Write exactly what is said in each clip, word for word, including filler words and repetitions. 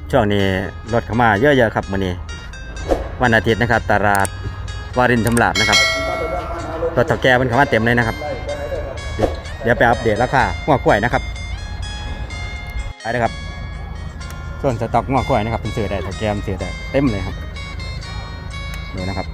ช่วงนี้รถเข้ามาเยอะๆครับมื้อนี้วันอาทิตย์นะครับตลาดวารินชำราบนะครับรถเฒ่าแก่มันเข้ามาเต็มเลยนะครับเดี๋ยวไปอัปเดตราคาหัวกล้วยนะครับไปเลยครับส่วนสต็อกหัวกล้วยนะครับเป็นซื้อได้เฒ่าแก่มันซื้อได้เต็มเลยครับนี่นะครับ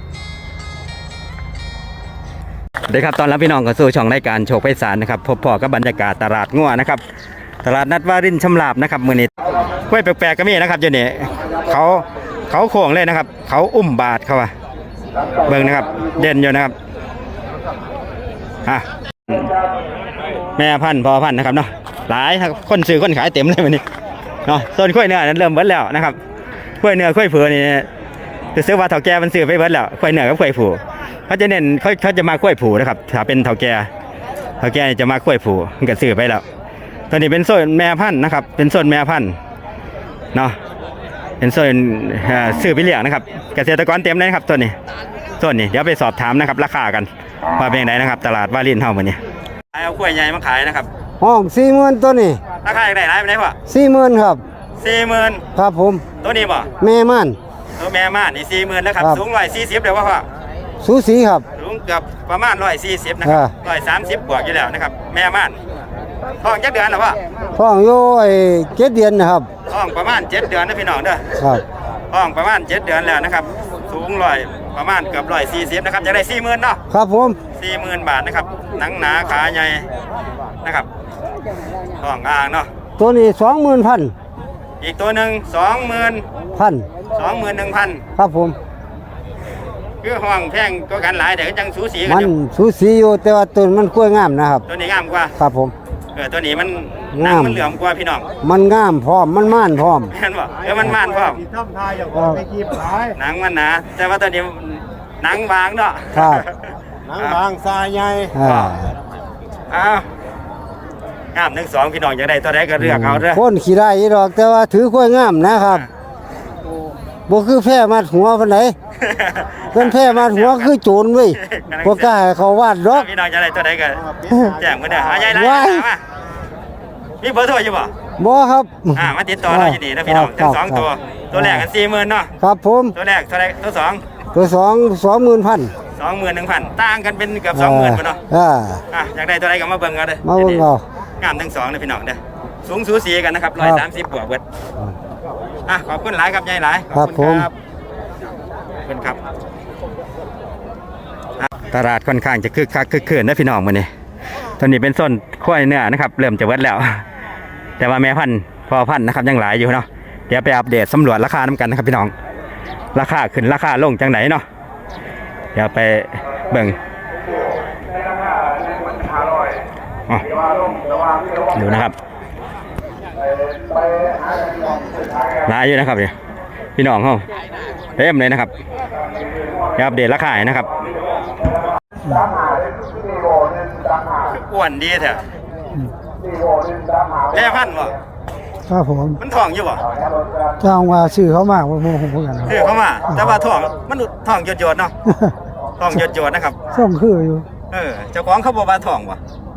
เดี๋ยวครับตอนรับพี่น้องกับสู่ช่องรายการโชคไพศาลนะครับพบพอกับบรรยากาศตลาดงัวนะครับตลาดนัดวารินชำราบนะครับมื้อนี้กล้วยแปลกๆก็มีนะครับเดี๋ยวนี้เขาเขาโค้งเลยนะครับเขาอุ้มบาทเขาว่าเบิ่งนะครับเด่นอยู่นะครับฮะแม่พันธุ์พ่อพันธุ์นะครับเนาะหลายคนซื้อคนขายเต็มเลยมื้อนี้เนาะส่วนกล้วยเนื้อนั้นเริ่มเบิดแล้วนะครับกล้วยเนื้อกล้วยเผือกนี่จะซื้อว่าเฒ่าแก่มันซื้อไปเบิดแล้วกล้วยเนื้อกับกล้วยผูเขาจะเน้นเขาเขาจะมากล้วยผูนะครับถ้าเป็นเฒ่าแก่เฒ่าแก่จะมากล้วยผูมันก็ซื้อไปแล้วตอนนี้เป็นโซนแม่พันธุ์นะครับเป็นโซนแม่พันธุ์เนาะเป็นโซนซื้อไปเลี้ยงนะครับเกษตรกรเต็มเลยครับตัวนี้โซนนี้เดี๋ยวไปสอบถามนะครับราคากันว่าเป็นไงนะครับตลาดวารินเฮามื้อนี้เอากล้วยใหญ่มาขายนะครับห้องสี่หมื่นตัวนี้ราคาอย่างไรไรไปไหนพ่อสี่หมื่นครับสี่หมื่นครับผมตัวนี้บ่แม่ม่านตัวแม่ม่านนี่สี่หมื่นนะครับสูงร้อยสี่สิบเดี๋ยวว่าพ่อสูสีครับสูงเกือบประมาณร้อยสี่สิบนะครับร้อยสามสิบบวกอยู่แล้วนะครับแม่ม่านท้องเจ็ดเดือนหรอพ่อท้องอยู่ไอ้เจ็ดเดือนนะครับท้องประมาณเจ็ดเดือนนะพี่น้องเด้อครับท้องประมาณเจ็ดเดือนแล้วนะครับสูงร้อยประมาณเกือบร้อยสี่สิบนะครับจะได้สี่หมื่นเนาะครับผมสี่หมื่นบาทนะครับหนังหนาขาใหญ่นะครับท้องอ่างเนาะตัวนี้สองหมื่นพันอีกตัวหนึ่งสองหมื่นพันสองหมื่นหนึ่งพันครับผมคือห้องแพงก็กันหลายแต่ก็ยังสูสีกันมันสูสีอยู่แต่ว่าตัวมันกล้วยงามนะครับตัวนี้งามกว่าครับผมเออตัวนี้มันหนังมันเหลืองกว่าพี่น้องมันงามพร้อมมันม่านพร้อมเห็นบ่เออมันม่านพร้อมหนังมันหนาแต่ว่าตัวนี้หนังบางเนาะครับหนังบางทรายใหญ่อ่าอ้าวงามหนึ่งสองพี่น้องจะได้ตัวใดก็เลือกเอาเด้อคนขี่ได้ดอกแต่ว่าถือกล้วยงามนะครับบ่คือแพ้มาหัวปานไหนเป็นแพ้มาหัวคือโจรเว้ยบ่กล้าให้เขาวาดดอกพี่น้องจะได้ตัวใดก็แจ้งมาเด้อหาใหญ่หลายมามีเบอร์โทรอยู่บ่บ่ครับอ่ามาติดต่อเราอยู่นี่นะพี่น้องทั้งสองตัวตัวแรกกันสี่หมื่นเนาะครับผมตัวแรกตัวแรกตัวสองตัวสองสองหมื่นพันสองหมื่นหนึ่งพันต่างกันเป็นเกือบสองหมื่นเนาะอ่าอ่ะอยากได้ตัวใดก็มาเบิ่งกันเลยมาเบิ่งเอางามทั้งสองเลยพี่น้องเด้อสูงสูสีกันนะครับร้อยสามสิบบวกเบิดอ่ะขอบคุณหลายครับยายหลายขอบคุณครับขอบคุณครับตลาดค่อนข้างจะคึกคักคึกคืนนะพี่น้องมื้อนี้ตอนนี้เป็นโซนควายเนื้อนะครับเริ่มจะเบิดแล้วแต่ว่าแม่พันธุ์พ่อพันธุ์นะครับยังหลายอยู่เนาะเดี๋ยวไปอัปเดตสำรวจราคาน้ำกันนะครับพี่น้องราคาขึ้นราคาลงจังไหนเนาะเดี๋ยวไปเบิ่งดูนะครับหลายอยู่นะครับพี่น้องเขาเต็มเลยนะครับเดี๋ยวอัปเดตราคานะครับอ้วนดีเถอะแม่พันธุ์บ่ครับผมมันท้องอยู่บ่จ้างว่าชื่อเขามากว่าโมโหกันชื่อเขามาแต่ว่าท้องมันท้องหยดๆเนาะท้องหยดๆนะครับส่งคืออยู่เออเจ้าของเขาบอกว่าท้องบ่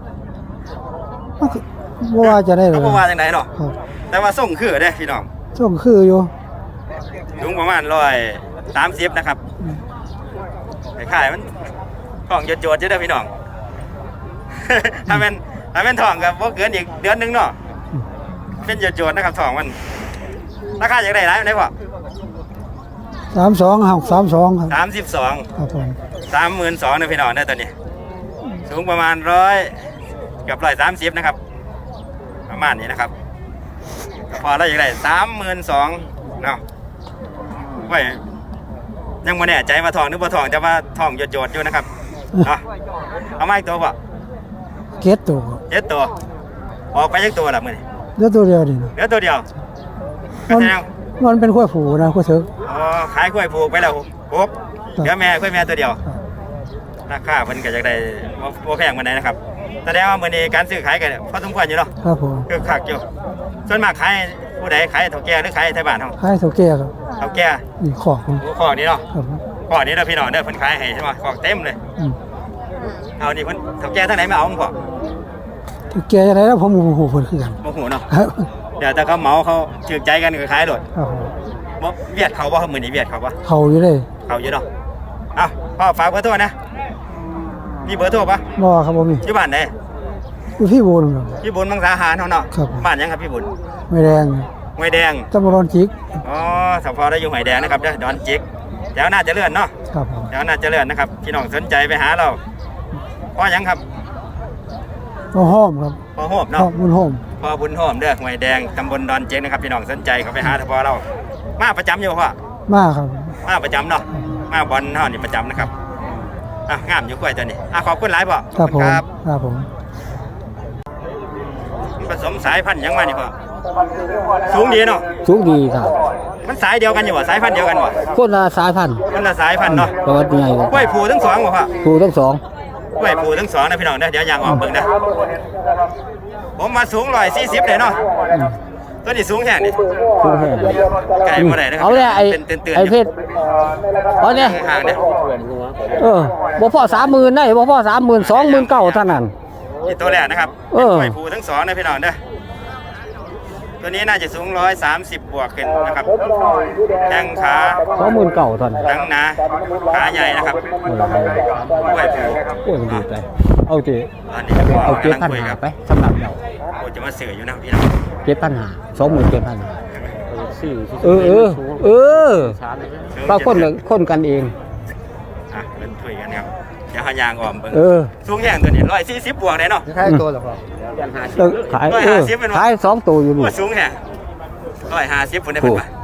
บ่ว่าจะได้เลยเขาบอกว่าจังไดเนาะแต่ว่าส่งคือเด้พี่น้องส่งคืออยู่สูงประมาณร้อยสามสิบนะครับขายมันท้องหยดๆอยู่เด้อพี่น้องถ้าเป็นถ้าเป็นท้องก็บ่เกินอีกเดือนนึงเนาะเป็นหยดๆนะครับท้องมันราคาอย่างไรไรไหนวะสามสองครับสามสองครับสามสิบสองครับผมสามหมื่นสองนะพี่น้องได้ตอนนี้สูงประมาณร้อยกับร้อยสามสิบนะครับประมาณนี้นะครับพอแล้วอย่างไรสามหมื่นสองเนาะไว้ยังไม่แน่ใจว่าทองหรือว่าทองจะว่าทองหยดๆอยู่นะครับเนาะเอาไม้ตัวป่ะเก็ดตัวเจ็ดตัวออกไปยักตัวหรือมือเดี๋ยวตัวเดียวดิเดี๋ยวตัวเดียวมันมันเป็นขั้วผูนะขั้วเถิกอ๋อขายขั้วผูไปแล้วปุ๊บเดี๋ยวแม่ขั้วแม่ตัวเดียวราคาเพิ่นก็จะได้โมแพงมาไหนนะครับแสดงว่ามื้อนี้การซื้อขายกันพอสมควรอยู่เนาะครับผมคือคักอยู่ส่วนมากขายผู้ใดขายเฒ่าแก่หรือขายไทยบ้านเฮาขายเฒ่าแก่ครับเฒ่าแก่นี่ขอกขอกนี้เนาะขอกนี้เด้อพี่น้องเด้อเพิ่นขายให้ใช่มั้ยขอกเต็มเลยเอานี่เพิ่นเฒ่าแก่ทางไหนมาเอาพ่อเฒ่าแก่จังได๋แล้วผมโอ้โหเพิ่นคือกันโอ้โหเนาะเดี๋ยวแต่เขาเหมาเขาถือใจกันก็ขายโลดครับผมบ่เวียดเขาบ่ครับมื้อนี้เวียดเขาบ่เขาอยู่เลยเขาอยู่เนาะเอ้าพ่อฝากเบอร์โทรนะมีเบอร์โทรปะบ่ครับบ่มีอยู่บ้านไหนอยู่พี่บุญครับพี่บุญมังสาหารเฮาเนาะครับบ้านหยังครับพี่บุญไม่แดงห้วยแดงตำบลดอนจิกอ๋อสพได้อยู่ห้วยแดงนะครับเด้อดอนจิกแถวน่าเจะเลื่อนเนาะครับผมแถวน่าเจะเลื่อนนะครับพี่น้องสนใจไปหาเราพ่อหยังครับก็ห้อมครับพ่อโฮมห้เนาะอมบุญห้อมพ่อบุญโฮมเด้อห้วยแดงตำบลดอนจิกนะครับพี่น้องสนใจเขาไปหาทพอเรามาประจำอยู่บ่พ่อมากครับมาประจำเนาะมาบอลเฮานี่ประจำนะครับอ่ะงามอยู่กล้วยตัวนี้อ่ะขอบคุณหลายพ่อครับผมครับครับผมผสมสายพันธุ์หยังมานี่พ่อสูงดีเนาะสูงดีครับมันสายเดียวกันอยู่บ่สายพันธุ์เดียวกันบ่คนละสายพันธุ์มันละสายพันธุ์เนาะประวัติใหญ่ครับกล้วยผูทั้งสองบ่พ่อครูทั้งสองกล้วยผูทั้งสองนะพี่น้องเด้อเดี๋ยวยางออกเบิ่งเด้อผมมาสูงหนึ่งร้อยสี่สิบเลยเนาะตัวนี้สูงแค่นี่สูงแค่ไก่บ่ได้นะครัเอาเนี่ยไอ้เป็นเตือนไอ้ๆอเพยู่ชรเอาเนี่ยห่างๆเด้อเออบ่พอสามหมื่นได้บ่พอสามหมื่นสองหมื่นเก้าเท่านั้นนี่ตัวแรกนะครับเอเป็นอกล้วยผูทั้งสองนะพี่น้องเด้อตัวนี้น่าจะสูงหนึ่งร้อยสามสิบบวกขึ้นนะครับแข้งขาสองหมื่นเก้าเท่านั้นหนังหนาขาใหญ่นะครับกล้วยผูโอ้ยมันดีใจเอาทีอันนี้ก็เอาเจ็ดกำลังพันคุยหากับไปสำหรับเราโอ้จะมาสื่ออยู่นะพี่น้องเจ็ดพันหาสองหมื่นเจ็ดพันเออเออเออปลาคนละคนกันเองอ่ะเป็นคุยกันครับเดี๋ยวหายางออมเบิ่งเออสูงแห้งตัวนี้ร้อยสี่สิบบวกเลยเนาะขายตัวหรอครับขายเออขายสองตัวอยู่นี่ว่าสูงแห้งร้อยห้าสิบคนได้เป็นปะ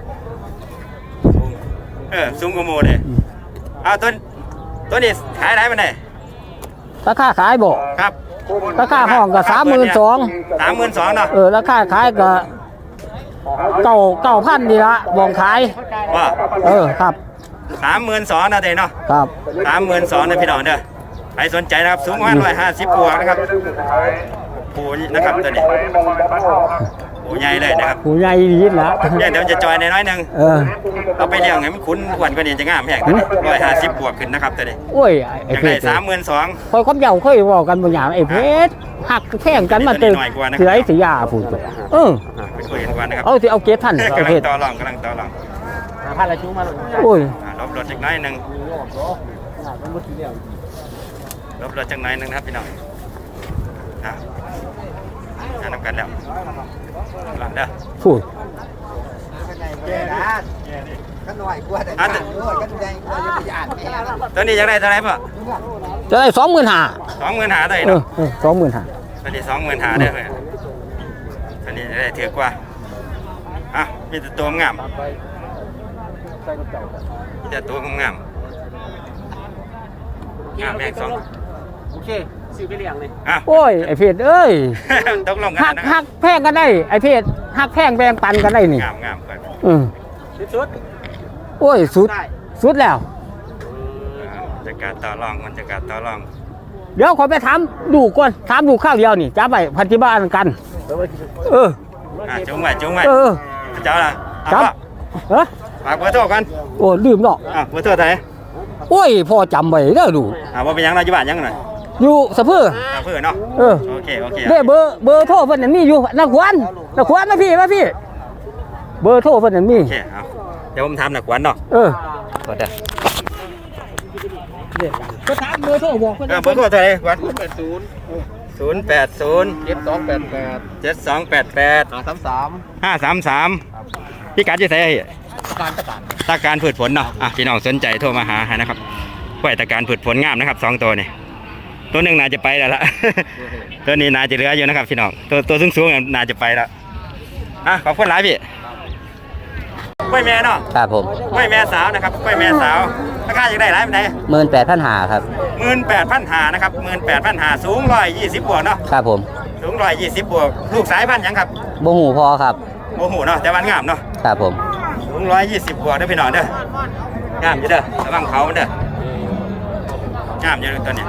เออสูงกว่าโมเลยเอาตัวตัวนี้ขายได้มันได้ราคาขายบ่ครับราคาห้องก็สามหมื่นสองสามหมื่นสองเนาะเออราคาขายก็เก้าเก้าพันนี่ละบ่งขายว่าเออครับสามหมื่นสองนะเด้เนาะครับสามหมื่นสองนะพี่น้องเด้อใครสนใจนะครับสูงประมาณร้อยห้าสิบบวกนะครับผูนะครับตัวนี้ผูใหญ่เลยนะครับผู้ใหญ่ดีละเนี่ยเดี๋ยวจะจอยในน้อยหนึ่งเออเอาไปเลี้ยงให้มันคุ้นอ้วนกว่านี้จะงามแหงร้อยห้าสิบบวกขึ้นนะครับตัวนี้โอ้ยอไอ้ยากเพได้ชรสามหมื่นสองคอยคบเยาเคยเว้ากันบางอย่างไอ้เพชรหักแข่งกันมาตึกเสือไอ้สียาพูดเออไปคุยกันก่อนนะครับเอาสิเอาเกทันไอ้กำลัเพงชรต่อรองกำลังต่อรองโอ้ยอ่าลบรถจักหน้อยหนึ่งลบรถจักหน้อยหนึ่งนะครับพี่น้องอ่ะอ่านำกันแล้วหลังเด้อพูดอ่ะตัวนี้อยากได้เท่าไหร่ป่ะจะได้สองหมื่นห้าสองหมื่นหาได้เออเนาะเออสองหมื่นห้าตัวนี้สองหมื่นหาได้เลยตัวนี้จะได้ถือกว่าอ่ะมีแต่ตัวงามมีแต่ตัวงามงามงามแม่งสองโอเคซื้อไปเลี้ยงเลยอ่ะโอ้ยไอ้เพชรเอ้ยตกลงกัหันกนะคหัรับกแพงกันได้ไอ้เพชรหักแพงแบ่งปันกันได้นี่งามงามก่อนอืมสุดโอ้ยสุดได้สุดแล้วอ่าจะการต่อรองมันจะการต่อรองเดี๋ยวขอไปถามดูก่อนถามดูข้าวเดียวนี่จะไปพันธิบ้านกัน เอออ่ะจุ้งไว้จุ้งไว้เออเจ้าล่ะเอาครับป่ะเออฝากเบอร์โทรกันโอ้ลืมเนาะอ่ะเบอร์โทรเท่าไหร่โอ้ยพ่อจำไว้เด้อดูอ่ะว่าเป็นหยังเราอยู่บ้านหยังหน่อยอยู่สะเพืออ่ะเพื่อนเนาะเออโอเคโอเคเด้เบอร์เบอร์โทรเพิ่นนั่นมีอยู่นักขวัญนักขวัญมาพี่มาพี่ เบอร์โทรเพิ่นนั่นมีโอเคเอาเดี๋ยวผมทำหนักกวันเนาะเออกดเด้อก็ถามเบอร์โทรบอกเพิ่นเออเบอร์โทรเท่าไหร่กวันแปดศูนย์ศูนย์แปดศูนย์เจ็ดสองแปดแปดเจ็ดสองแปดแปดหาสามสามห้าสามสามพี่กัดจะใส่การตะการตาการผืดผลเนาะอ่ะพี่น้องสนใจโทรมาหาให้นะครับกล้วยตาการผืดผลงามนะครับสองตัวนี่ตัวหนึ่งน่าจะไปแล้วล่ะ ตัวนี้น่าจะเหลืออยู่นะครับพี่น้องตัวตัวสูงสูงๆน่าจะไปแล้วอ่ะขอบคุณหลายพี่กล้วยแม่เนาะครับผมกล้วยแม่สาวนะครับกล้วยแม่สาวราคาจะได้หลายเป็นไงหมื่นแปดพันหาครับหมื่นแปดพันหานะครับหมื่นแปดพันหาสูงร้อยยี่สิบบวกเนาะครับผมสูงร้อยยี่สิบบวกลูกสายพันธุ์หยังครับโบหูพอครับโอ้โหเนาะแต่วันงามเนาะครับผมสูงร้อยยี่สิบบวกเด้อพี่น้องเด้องามอยู่เด้อระวังเขามันเด้องามอยู่เด้อตัวนี้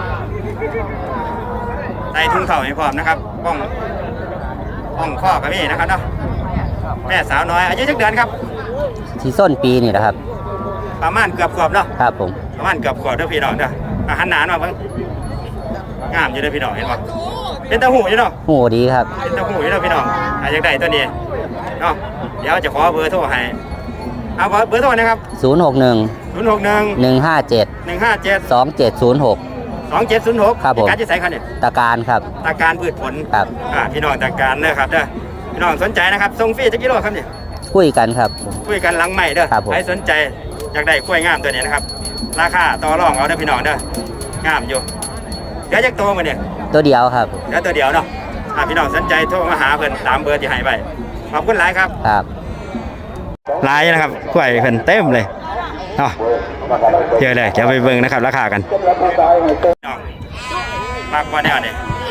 ใส่ถุงเข่าให้พร้อมนะครับป้องป้องข้อกับนี่นะครับเนาะแม่สาวน้อยอายุจักเดือนครับที่ส้นปีนี่นะครับประมาณเกือบขวบเนาะครับผมประมาณเกือบขวบเด้อพี่น้องเด้ออาหารหนานมาเบิ่งงามอยู่เด้อพี่น้องเห็นป่ะเป็นตะหูอยู่เนาะหูดีครับเป็นตะหูอยู่เนาะพี่น้องอาจจะได้ตัวนี้เนาะเดี๋ยวจะขอเบอร์โทรให้เอาเบอร์โทรนะครับศูนย์หกหนึ่งศูนย์หกหนึ่งหนึ่งห้าเจ็ดหนึ่งห้าเจ็ดสองเจ็ดศูนย์หกสองเจ็ดศูนย์หกครับผมการจะใส่คันเนี่ยตะการครับตาการพืชผลครับอ่าพี่น้องตาการเด้อครับเด้อพี่น้องสนใจนะครับส่งฟรีจักกิโลครับเนี่ยคุยกันครับคุยกันหลังใหม่เด้อครับผมใครสนใจอยากได้กล้วยงามตัวนี้นะครับราคาต่อรองเอาเด้อพี่น้องเด้องามอยู่เดี๋ยวจักโตมาเนี่ยตัวเดียวครับเดี๋ยวตัวเดียวเนาะอ่าพี่น้องสนใจโทรมาหาเพิ่นตามเบอร์ที่ให้ไปขอบคุณหลายครับครับหลายนะครับกล้วยเพิ่นเต็มเลยเนาะเยอะเลยเดี๋ยวไปเบิ่งนะครับราคากันน้องฝากบ่แนวนี่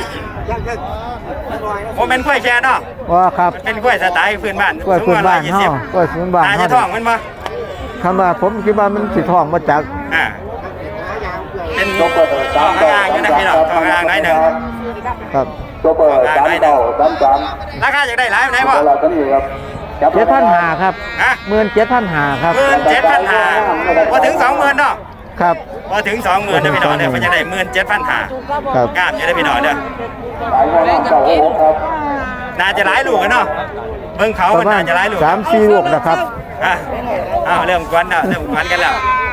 โมเป็นกล้วยแช่เนาะว่าครับมันเป็นกล้วยสไตล์พื้นบ้านกล้วยพื้นบ้านสูงเฮาร้อยยี่สิบกล้วยพื้นบ้านตาเฮาจะท้องมันบ่คำว่าผมคิดว่ามันสิท้องมาจากอ่าเป็นท้องอ่างอยู่นะพี่น้องท้องอ่างน้อยหนึ่งครับท้องอ่างน้อยหนึ่งราคาอยากได้หลายไหนบ่เจ็ดพันหาครับฮะหมื่นเจ็ดพันหาครับหมื่นเจ็ดพันห้าพอถึงสองหมื่นเนาะครับพอถึงสองหมื่นเด้อพี่น้องเด้อมันจะได้หมื่นเจ็ดพันห้าครับงามอยู่เด้อพี่น้องเด้อน่าจะหลายลูกกันเนาะเบิ่งเขาปมันระมาณน่าจะหลายลูกสามสี่ลูกนะครับอ่ะอ้าวเริ่มกวนแล้วเริ่มกวนกันแล้ว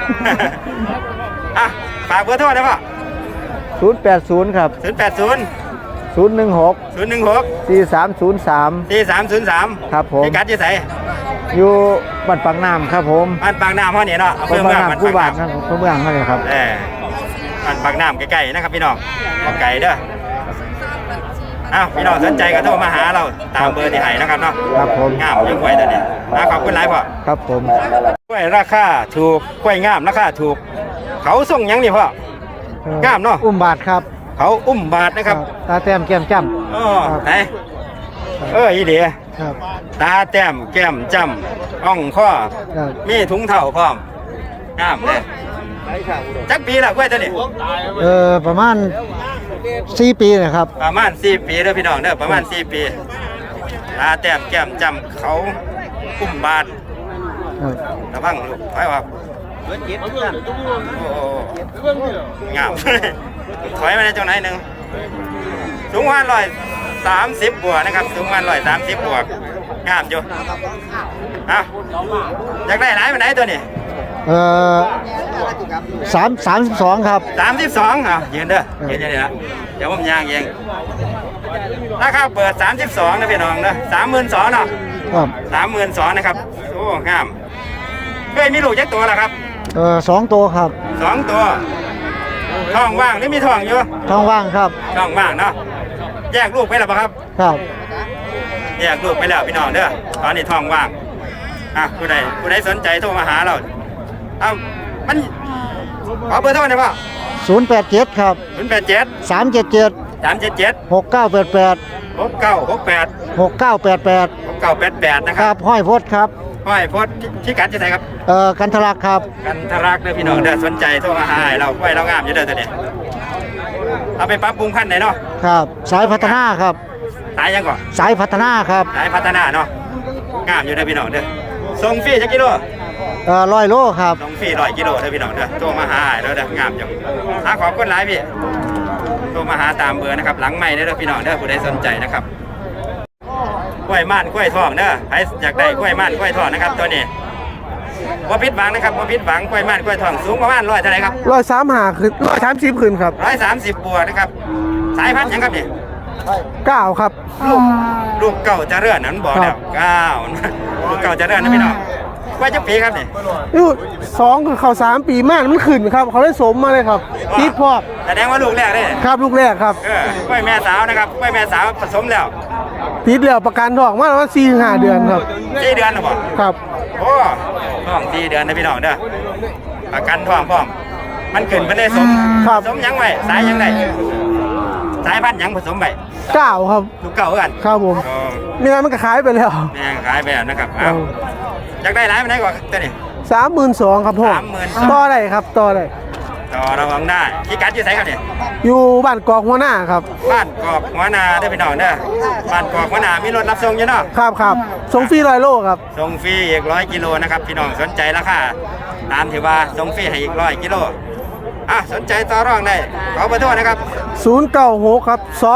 อ่ะฝากเบอร์โทรได้ป่ะศูนย์แปดศูนย์ครับศูนย์แปดศูนย์ศูนย์หนึ่งหกศูนย์หนึ่งหกสี่สามศูนย์สามสี่สามศูนย์สามครับผมพี่กัดยี่ใสอยู่บ้านปากน้ำครับผมบ้านปากน้ำห้อนี่เนาะอำเภบ้าอน เมืปาอก งน้ำผู้บ้าบาน ดปากนะน้ผู้เมืองนั่นเลยครับำเออบ้านปากน้ำใกล้ๆนะครับพี่น้องบ่ไก่เด้ออ้าวพี่น้องสนใจก็โทรมาหาเราตามเบอร์ที่ให้นะครับเนาะครับผมงามยังกล้วยตัวนี้อ่ะขอบคุณหลายพ่อครับผมกล้วยราคาถูกกล้วยงามราคาถูก เขาส่งหยังนี่พ่อ งามเนอะอุ้มบาทครับเขาอุ้มบาทนะครับตาแต้มแก้มจ้อ๋อไหนเอออีเดียำครับตาแต้มแก้มจำอ่องข้อครับมีถุงเท้าพร้อมงามเลยจักปีละกล้วยตัวนี้เออประมาณสี่ปีนะครับประมาณสี่ปีเด้อพี่น้องเด้อประมาณสี่ปีตาแต้มแก้มจำเขาอุ้มบาทครับระวังลูกไปว่าโอ้โหงาม ถอยมาในจังไหนหนึ่งสูงวันร้อยสามสิบบวกนะครับสูงวันร้อยสามสิบบวกงามอยู่อ่ะอยากได้หลายไปไหนตัวนี้เออสามสามสิบสองครับสามสิบสองอ่ะยืนเด้อยืนเดี๋ยวนะเดี๋ยวผมย่างเองราคาเปิดสามสิบสองนะพี่น้องนะสามหมื่นสองเนาะครับสามหมื่นสองนะครับโอ้งามเคยมีลูกจักตัวแล้วครับเออสองตัวครับสองตัวท้องว่างหรือมีท้องอยู่ท้องว่างครับท้องว่างเนาะแยกลูกไปแล้วปะครับครับแยกลูกไปแล้วพี่น้องเด้อตอนนี้ท้องว่างอ่ะผู้ใดผู้ใดสนใจโทรมาหาเราเอ้ามันขอเบอร์โทรหน่อยป่ะศูนย์แปดเจ็ดครับศูนย์แปดเจ็ดสามเจ็ดเจ็ดสามเจ็ดเจ็ดหกเก้าแปดแปดหกเก้าหกแปดหกเก้าแปดแปดหกเก้าแปดแปดนะคครัรับบห้อยพดครับห้อยโพสต์ที่กัดจะไหนครับเอ่อกันทลักครับกันทรักเด้อพี่น้องเด้อสนใจโทรมาหาให้เราไว้เรางามอยู่เด้อตัวนี้เอาไปปรับปรุงพันธุ์ไหนเนาะครับ สายพัฒนาครับสายยังก่อนสายพัฒนาครับสายพัฒนาเนาะงามอยู่เด้อพี่น้องเด้อส่งฟรีจักกิโลเอ่อร้อยโลครับส่งฟรีร้อยกิโลเด้อพี่น้องเด้อโทรมาหาให้เราเด้องามอยู่หาขอบคุณหลายพี่โทรมาหาตามเบอร์นะครับหลังไม้เด้อพี่น้องเด้อผู้ใดสนใจนะครับกล้วยม่านกล้วยทองเด้อใครอยากได้กล้วยม่านกล้วยทองนะครับตัวนี้ว่าพิษหวังนะครับว่าพิษหวังกล้วยม่านกล้วยทองสูงประมาณร้อยเท่าไหร่ครับร้อยสามหาขึ้นร้อยสามสิบขึ้นครับร้อยสามสิบบวกนะครับสายพันธุ์หยังครับเนี่ยเก้าครับลูกลูกเก่าจะเรื่อนนั้นบอกแล้วเก้าลูกเก่าจะเรื่อนนะพี่น้องกล้วยจักปีครับเนี่ยอยู่สองคือเขาสามปีมากมันขึ้นครับ เขาได้สมมาเลยครับติดพอกแสดงว่าลูกแรกเลยครับลูกแรกครับเออกล้วยแม่สาวนะครับกล้วยแม่สาวผสมแล้วติดแล้วประกันทองมาประมาณสี่ห้าเดือนครับสี่เดือนหรือเปล่าครับโอ้ท้องสี่เดือนนะพี่น้องเด้อประกันท้องพร้อมมันขึ้นไปได้สมครับสมหยังไว้สายหยังไงสายพันธุ์หยังผสมไปเก้าครับลูกเก่ากันครับผมอ๋อไม่งั้นมันก็ขายไปแล้วแม่งขายไปแล้วนะครับอ้าวอยากได้หลายไปไหนกว่าตัวนี้สามหมื่นสองครับพ่อสามหมื่นสองต่อได้ครับต่อได้ต่อระวังได้ที่กัดอยู่ไสครับเนี่ยอยู่บ้านกอกหัวหน้าครับบ้านกอกหัวนาเด้อพี่น้องเด้อบ้านกอกหัวนามีรถรับส่งอยู่เนาะครับครับส่งฟรีร้อยโลครับส่งฟรีอีกร้อยกิโลนะครับพี่น้องสนใจราคาตามที่ว่าส่งฟรีให้อีกร้อยกิโลอ่ะสนใจต่อรองได้ขอเบอร์โทรนะครับศูนย์เก้าหกครับสองเจ็ด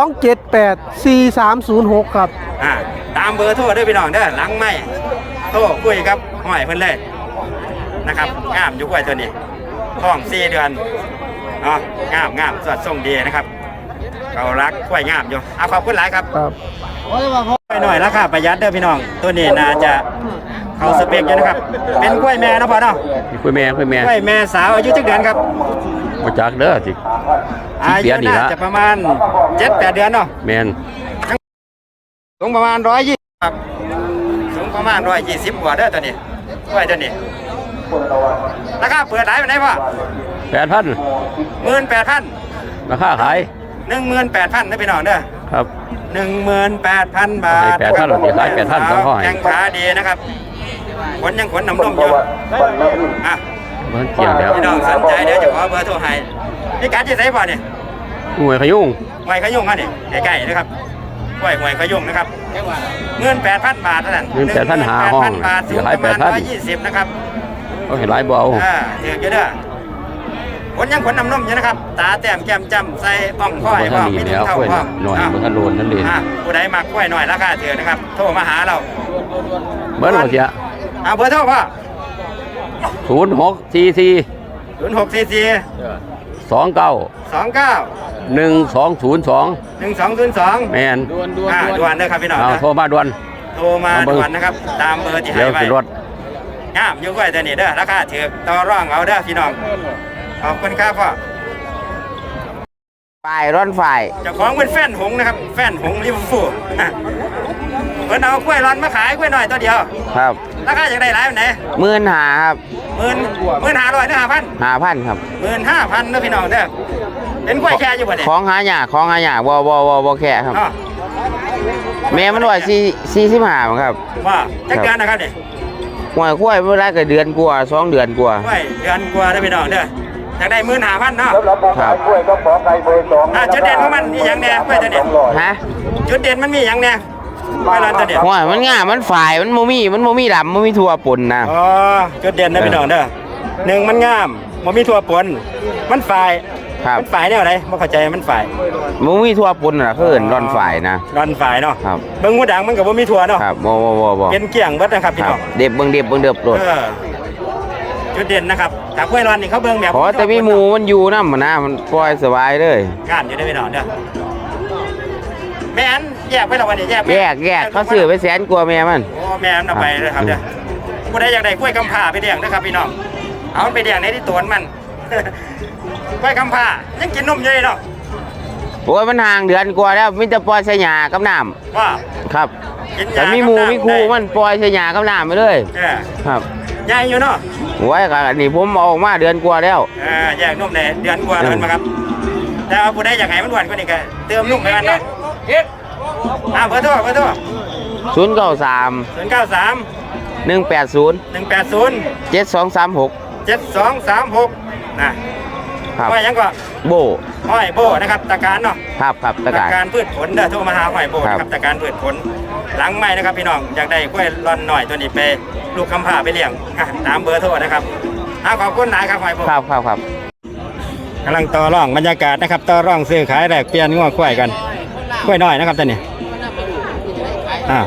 แปด สี่ สาม ศูนย์ หกครับอ่าตามเบอร์โทรเด้อพี่น้องเด้อหลังไม่โทรคุยครับห้อยเพิ่นเลยนะครับงามอยู่กล้วยตัวนี้ท้องสี่เดือนเนาะงามงามสวดทรงดีนะครับเขารักกล้วยงามอยู่เอาขอบคุณหลายครับครับกล้วยหน่อยราคาประหยัดเด้อพี่น้องตัวนี้น่าจะเขาสเปกอยู่นะครับเป็นกล้วยแม่เนาะพ่อเนาะคุยแม่คุยแม่กล้วยแม่สาวอายุจักเดือนครับมาจากเด้อสิอาเดืยุอนนี่น่าละจะประมาณเจ็ดแปดเดือนเนาะแมนสูงประมาณร้อยยี่ครับสูงประมาณร้อยยี่สิบกว่าเด้อตัวนี้กล้วยตัวนี้ราคาเปิดไหนไปไหนพ่อแปดพันหมื่นแปดพันราคาขายหนึ่งหมื่นแปดพันนะพี่น้องเด้อครับหนึ่งหมื่นแปดพันบาทให้8,000หรอสิขาย8,000ต้องห้อยแข้งขาดีนะครับขนยังขนน้ำนมอยู่อ่ะมันเกี่ยงแล้วพี่น้องสนใจเดี๋ยวจะขอเบอร์โทรให้พี่การจะใส่บ่เนี่ยหน่วยขยุ่งหวยขยุ่งฮะนี่ใกล้ๆนะครับหวยหวยขยุ่งนะครับเงินแปดพันบาทเท่านั้นเงินแปดพันหาห้องบาทสูงขายประมาณแปดพันร้อยยี่สิบนะครับก็เห็นหลายเบาอ่าถือเยอะเด้อขนยังขนน้ำนมอยู่นะครับตาแต้มแก้มจ้ำใส่อ่องค่อยบนพร้ท่าอน มนี่มีแล้วเท่ากล้วยพร้อมหน่อยอ่ะบนท่านโลนนั่นเองอ่ะผู้ใดมากล้วยหน่อยราคาถือนะครับโทรมาหาเราเบอร์โทรเสียเอาเบอร์โทรพ่อศูนย์หกสี่สี่ศูนย์หกสี่สี่สองเก้าสองเก้าหนึ่งสองศูนย์สองหนึ่งสองศูนย์สองแมนอ่าด่วนเลยครับพี่น้องเอานะโทรมาด่วนโทรมาด่วนนะครับตามเบอร์ที่ให้เดี๋ยวไว้สิรถงามอยู่กล้วยตัวนี้เด้อราคาถือต่อร่องเอาเด้อพี่น้องขอบคุณครับพ่อฝ่ายร้อนฝ่ายเจ้าของเป็นแฟนหงส์นะครับแฟนหงส์ลิเวอร์พูลอ่ะเพิ่นเอากล้วยร้อนมาขายกล้วยหน่อยตัวเดียวครับราคาอย่างไรหลายวันไหนหมื่นหาครับหมื่นหมื่นห้าร้อยหรือห้าพันหาพันครับหมื่นห้าพันเด้อพี่น้องเด้อเป็นกล้วยแค่อยู่บ่เนี่ยของหายากของหายากบ่บ่บ่บ่แค่ครับเนาะแม่มันว่าสี่สี่สิบห้าครับว่าจักเดือนนะครับเนี่ยหวยคุ้ยเวลาก็เดือนกว่าสองเดือนกว่ากล้วยเดือนกว่าเด้อพี่น้องเด้ออยากได้หมื่นห้าพันเนาะครับอ่ะจุดเด่นของมันมีอย่างแน่กล้วยตัวเนี้ยฮะจุดเด่นมันมีอย่างแน่กล้วยร้อนตัวเนี้ยหวยมันง่ายมันฝ่ายมันโมมี่มันโมมี่ดำมันมีทั่วปนนะอ๋อจุดเด่นนะพี่น้องเด้อหนึ่งมันงามมันมีทั่วปนมันฝ่ายครับมันฝ่ายแนวไหนไม่เข้าใจมันฝ่ายมันมีทั่วปนน่ะคือเอิ้นร้อนฝ่ายนะร้อนฝ่ายเนาะครับเบิ้งหัวดังมันกับว่ามีทั่วเนาะครับบ่บ่บ่บ่เป็นเกี่ยงเบิดนะครับพี่ครัน้บองเด็บเบิ่งเด็บเบิ่งเด็บโลดเออจุดเด่นนะครับแต่กล้วยร้อนนี่เขาเบิ้งแบบขอแต่มีหมูมันอยู่นำนะมันปล่อยสบายเลยงานอยู่ได้พี่น้องเด้อแม่นแยกไปแล้ววันนี้แยกไหมแยกแยกเขาซื้อไปแสนกว่าแม่มันโอ้แม่นเอาไปเลยครับเด้อผู้ใดอยากได้กล้วยกำพร้าไปเลี้ยงนะครับพี่น้องเอามันไปเลี้ยงในที่ตัวนมัน กล้วยกำพร้ายังกินนมอยู่เลยเนาะโอ้ยมันห่างเดือนกว่าแล้วมีแต่ปล่อยใส่หญ้ากับน้ำว่าครับกินยาแต่มีหมูมีครูมันปล่อยใส่หญ้ากับน้ำไปเลยเออครับใหญ่อยู่เนาะโอ้ยก็อันนี้ผมเอาออกมาเดือนกว่าแล้วเออแยกนุ่มในเดือนกว่าแล้วมันมาครับแต่เอาผู้ใดอยากให้มันหวานกว่านี้ก็เติมนุ่มไปมันเนาะอ่าเบอร์โทรเบอร์โทรศูนย์เก้าสามศูนย์เก้าสามหนึ่งแปดศูนย์หนึ่งแปดศูนย์เจ็ดสองสามหกเจ็ดสองสามหกนะครับ ว่ายังก็โบห้อยโบนะครับตะการเนาะครับครับตะการการพืชผลเด้อโทรมาหาห้อยโบครับนะครับตะการพืชผลหลังไม่นะครับพี่น้องอยากได้กล้วยร่อนหน่อยตัวนี้ไปลูกคำผ่าไปเลี้ยงอ่ะตามเบอร์โทรนะครับอ่าขอบคุณนายครับห้อยโบครับครับครับกำลังต่อร่องบรรยากาศนะครับต่อร่องซื้อขายแลกเปลี่ยนงัวกล้วยกันกล้วยน้อยนะครับท่านนี่อ่า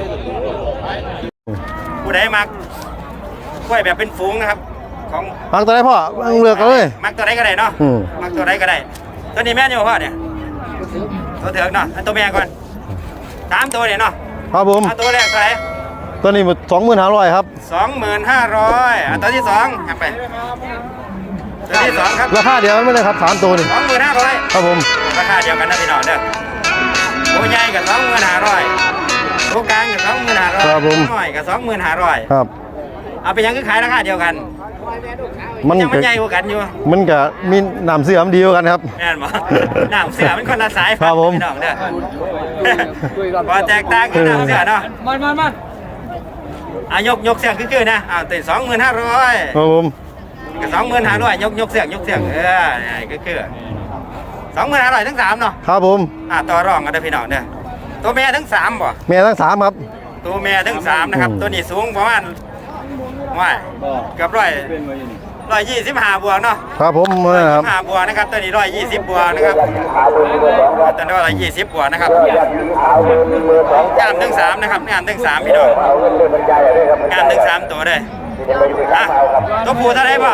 ผู้ใดมักกล้วยแบบเป็นฝูงนะครับของฟังตัวไหนพ่อเลือกเลยมักตัวใดก็ได้เนาะอืมมักตัวใดก็ได้ตัวนี้แม่นอยู่พ่อเนี่ยตัวเถือกเนาะอันตัวแม่ก่อนสามตัวเนี่ยเนาะครับผมเอาตัวแรกเท่าไหร่ตัวนี้สองหมื่นห้าร้อยครับสองหมื่นห้าร้อยอ่ะตัวที่สองหักไปตัวที่สองครับราคาเดียวกันไม่เลยครับสามตัวนี่สองหมื่นห้าร้อยครับผมราคาเดียวกันนะพี่น้องเด้อตัวใหญ่กับสองหมื่นห้าร้อยตัวกลางกับสองหมื่นห้าร้อยน้อยกับสองหมื่นห้าร้อยครับเอาไปยังคือขายราคาเดียวกันมันยังก็มันใหญ่กว่ากันอยู่มันก็มีน้ำเสื่อมดีกว่ากันครับแน่นบ่น้ำเสือมันคนละสายครับผมพี่น้องเด้อพอแตกต่างกันน้ำเสือเนาะมันมันมันอ่ะยกยกเสือคือๆนะอ้าวติดสองหมื่นห้าร้อยครับผมกับสองหมื่นห้าร้อยยกยกเสือยกเสือเออนี่คือสองหมื่นห้าร้อยทั้งสามเนาะครับผมอ่ะต่อรองกันเด้อพี่น้องเด้อตัวแม่ทั้งสามบ่แม่ทั้งสามครับตัวแม่ทั้งสามนะครับอืมตัวนี้สูงประมาณว่าเกือบร้อยร้อยยี่สิบห้าบวกเนาะครับผมนะครับห้าบวกนะครับตัวนี้ร้อยยี่สิบบวกนะครับตัวนี้ร้อยยี่สิบบวกนะครับงามทั้งสามนะครับงามทั้งสามพี่น้องงามทั้งสามตัวเลยอ่ะตัวผู้เท่าไหร่ป่ะ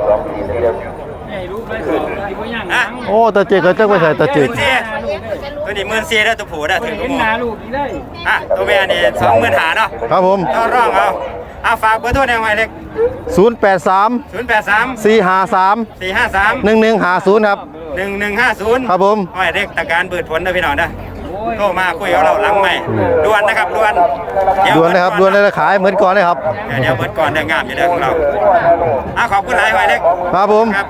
อ่ะโอ้ตาเจกก็จักไปใส่ตาเจกตัวนี้หมื่นสี่แล้วตัวผู้ได้ถึงตัวผู้อ่ะตัวแม่นี่สองหมื่นหาเนาะครับผมต้องร้องเอาเอาฝากเบอร์โทรแนวไว้เล็กศูนย์แปดสามศูนย์แปดสามสี่ห้าสามสี่ห้าสามหนึ่งหนึ่งห้าศูนย์ครับหนึ่งหนึ่งห้าศูนย์ครับผมไว้เล็กตะการเบิดผลนะพี่น้องนะโทรมาคุยกับเราหลังใหม่ด่วนนะครับด่วนเยวด่วนนะครับด่วนเลยขายเหมือนก่อนเลยครับเดี๋ยวเดี๋ยวเบิดก่อนเดี๋ยวงามอยู่เด้อของเราอ่ะขอบคุณหลายไว้เล็กครับผมครับ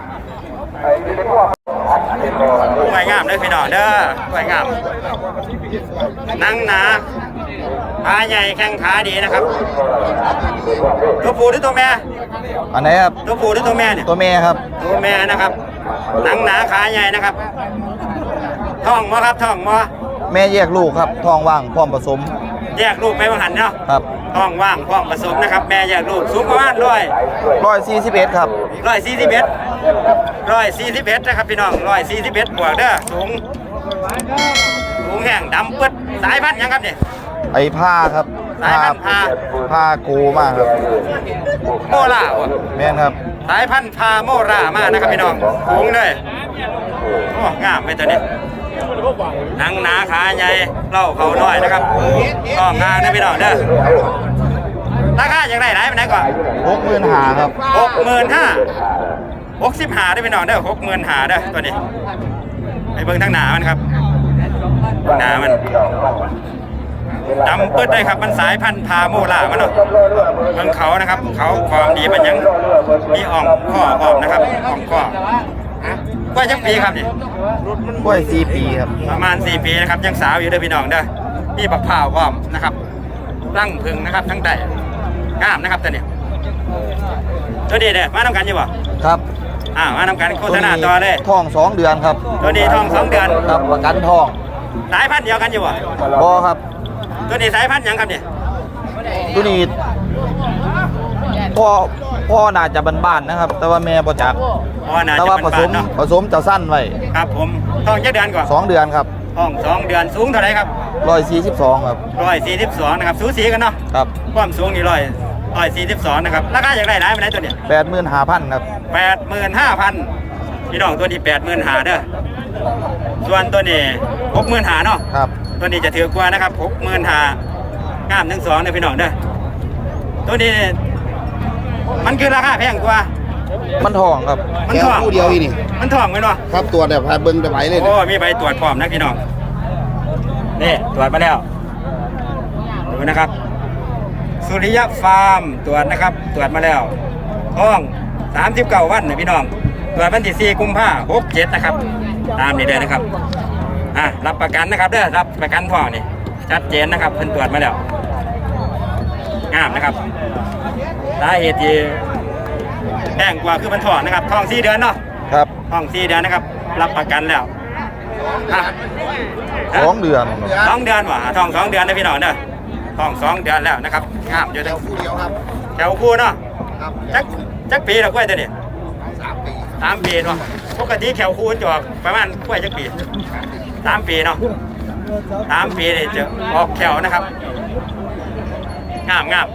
ไว้งามเด้อพี่น้องเด้อไว้งามนั่งหนาขาใหญ่แข้งขาดีนะครับตัวผู้หรือตัวแม่อันไหนครับตัวผู้หรือตัวแม่เนี่ยตัวแม่ครับตัวแม่นะครับหนังหนาขาใหญ่นะครับท้องมอครับท้องมอแม่แยกลูกครับทองว่างพร้อมผสมแยกลูกไปว่าหันเนาะครับท้องว่างพร้อมผสมนะครับแม่แยกลูกสูงประมาณร้อยร้อยสี่สิบเอ็ดครับร้อยสี่สิบเอ็ดร้อยสี่สิบเอ็ดนะครับพี่น้องร้อยสี่สิบเอ็ดบวกเด้อสูงสูงแห้งดำปึ๊ดสายพันธุ์หยังครับเนี่ยไอ้ผ้าครับสายพันธุ์ผ้าผ้าโกมากครับโมล่าวะแม่นครับสายพันธุ์พาโมรามากนะครับพี่น้องสูงเลยโอ้งามไปตัวนี้หนังหนาขาใหญ่เล่าเขาน้อยนะครับก็งามนะพี่น้องเด้อราคาอย่างไรไหนไปไหนก่อนหกหมื่นหาครับหกหมื่นห้าหกสิบห้าได้พี่น้องเด้อหกหมื่นห้าเด้อตัวนี้ไอ้เบิ้งทั้งหนามันครับหนามันดำเปิดได้ครับมันสายพันธุ์พาโมล่ามันเนาะเบิ้งเขานะครับเขาความดีมันยังมีอ่องข้ออ่อมนะครับอ่องข้อว่าจักปีครับนี่กล้วยสี่ปีครับประมาณสี่ปีนะครับยังสาวอยู่เด้อพี่น้องเด้อมีบักพร้าวอ้อมนะครับรังพึ่งนะครับทั้งแต่งามนะครับตัวนี้ตัวนี้เด้อมาทำกันอยู่บ่ครับอ่ามาทำกันโฆษณาต่อเลยทองสองเดือนครับตัวนี้ทองสองเดือนครับประกันทองสายพันธุ์เดียวกันอยู่บ่บอครับตัวนี้สายพันธุ์หยังครับเนี่ยตัวนี้พ่อพ่อน่าจะบ้านๆนะครับ แต่ว่าแม่ประจักอ๋อน่าแต่จะว่าเป็นผสบ้าม นเนาะผสมจะสั้นไว้ครับผมทองเจ็ดเดือนก่อนสองเดือนครับทองสองเดือนสูงเท่าไหร่ครับร้อยสี่สิบสองครับร้อยสี่สิบสองนะครับสูสีกันเนาะครับความสูงนี่ร้อยร้อยสี่สิบสองนะครับราคาอย่างไรหลายไปไหนตัวเนี่ยแปดหมื่นห้าพันครับแปดหมื่นห้าพันพี่น้องตัวนี้แปดหมื่นห้าเด้อส่วนตัวนี้หกหมื่นห้าเนาะครับตัวนี้จะถือกว่านะครับหกหมื่นห้างามทั้งสองเด้อพี่น้องเด้อตัวนี้มันคือราคาแพงกว่ามันทองครับมันทองคู่เดียวอีนี่มันทองไหมเนาะครับตัวแบบพาเบิ้งไปไหวเลยโอ้มีใบตรวจพร้อมนะพี่น้องนี่ตรวจมาแล้วดูนะครับ สุริยะฟาร์มตรวจนะครับ ตรวจมาแล้วท้องสามสิบเก้าวันนะพี่น้องตรวจวันที่สี่กุมภาหกเจ็ดนะครับ ตามนี้เลยนะครับอ่ะรับประกันนะครับเด้อรับประกันท้องนี่ชัดเจนนะครับเพิ่นตรวจมาแล้วงามนะครับสาเหตุที่แพงกว่าคือมันท้องนะครับท้องสี่เดือนเนาะครับท้องสี่เดือนนะครับ รับประกันแล้วอ่ะสองเดือนสองเดือนว่ะท้องสองเดือนนะพี่น้องเด้อท้องสองเดือนแล้วนะครับงามอยู่เด้อคู่เดียวครับแถวคู่เนาะครับจักจักปีละกล้วยตัวนี้สามปีสามปีเนาะปกติแถวคู่จะออกประมาณกล้วยจักปีสามปีเนาะสามปีนี่จะออกแถวนะครับงามงาม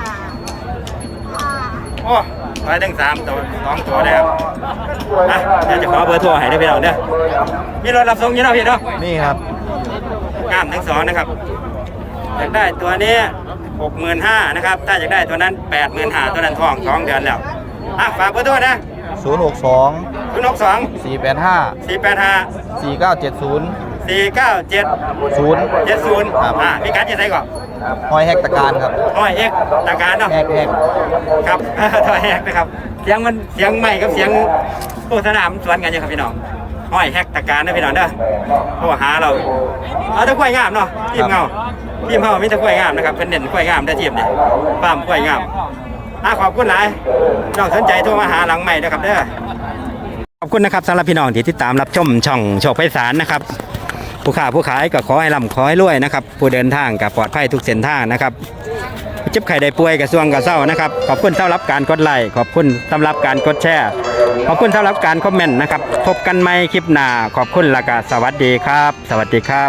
โอ้ไปถึงสามตัวสองตัวเลยครับอ่ะเดี๋ยวจะขอเบอร์โทรให้ได้พี่น้องเด้อมีรถรับส่งอยู่เนาะพี่เนาะนี่ครับงามทั้งสองนะครับอยากได้ตัวนี้หกหมื่นห้านะครับ ถ้าอยากได้ตัวนั้นแปดหมื่นห้าตัวนั้นทองสองเดือนแล้วอ่ะฝากเบอร์โทรนะศูนย์หกสองศูนย์หกสองสี่แปดห้าสี่แปดห้าสี่เก้าเจ็ดศูนย์สี่เก้าเจ็ดศูนย์เจ็ดศูนย์ครับอ่ะพี่กัดจะใส่ก่อนหอยแฮกตะการครับห้อยเอกตาการเนาะแฮกแฮกครับ ห้อยเอกนะครับเสียงมันเสียงใหม่กับเสียงโฆษณามันสวนกันอยู่ครับพี่น้องห้อยแฮกตาการนะพี่น้องเด้อโทรหาเราเอาแตะกล้วยงามเนาะทีมเงาทีมเฮามีแตะกล้วยงามนะครับเป็นเด่นกล้วยงามได้อทีมนี่ฟาร์มกล้วยงามอ่ะขอบคุณหลายน้องสนใจโทรมาหาหลังใหม่นะครับเด้อขอบคุณนะครับสำหรับพี่น้องที่ติดตามรับชมช่องโชคไพศาลนะครับผู้ค้าผู้ขายก็ขอให้ร่ำขอให้รวยนะครับผู้เดินทางก็ปลอดภัยทุกเส้นทางนะครับเจจ็บไข้ได้ป่วยกระทรวงกระเซ้านะครับขอบคุณสำหรับการกดไลค์ขอบคุณสำหรับการกดแชร์ขอบคุณสำหรับการคอมเมนต์นะครับพบกันใหม่คลิปหน้าขอบคุณและก็สวัสดีครับ สวัสดีครับ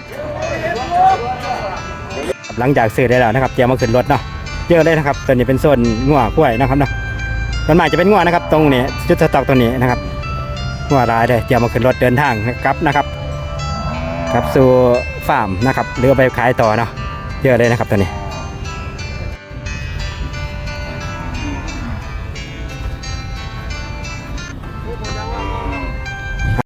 หลังจากซื้อได้แล้วนะครับเตรียมมาขึ้นรถเนาะเยอะเลยนะครับตัวนี้เป็นโซนงัวกล้วยนะครับเนาะส่วนมากจะเป็นงัวนะครับตรงนี้จุดสต็อกตัวนี้นะครับงัวรายเลยเตรียมมาขึ้นรถเดินทางครับนะครับครับสู่ฟาร์มนะครับหรือเอาไปขายต่อเนาะเยอะเลยนะครับตัวนี้